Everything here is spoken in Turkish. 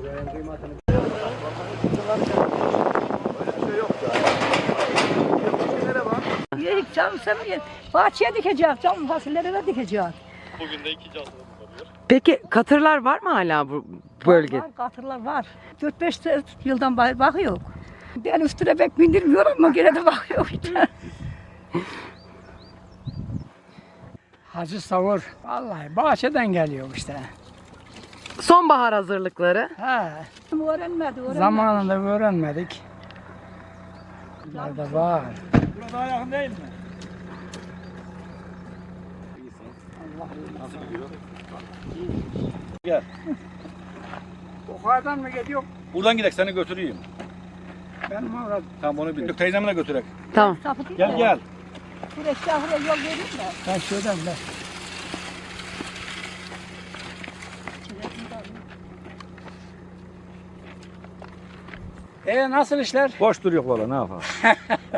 Yedik canım sen bahçeye dikeceğiz, canım fasulyelere de dikeceğiz. Bugün de 2 canlı oluyor. Peki katırlar var mı hala bu bölgede? Var, katırlar var. 4-5 yıldan beri bakıyor. Ben üstüne pek bindirmiyorum ama gene de bakıyor. Hacı Savur. Vallahi bahçeden geliyor işte. Sonbahar hazırlıkları. Öğrenmedi. Zamanında öğrenmedik. Bunlar da var. Burada daha yakın değil mi? Nasıl gidiyor? Gel. Yukarıdan mı geliyor? Buradan gidelim seni götüreyim. Ben orada. Tamam onu bildik. Teyzemle götürek. Tamam. Gel gel. Buraya şahıra yol vereyim mi? Ben şuradan ben. Nasıl işler? Boş duruyor valla ne yapalım.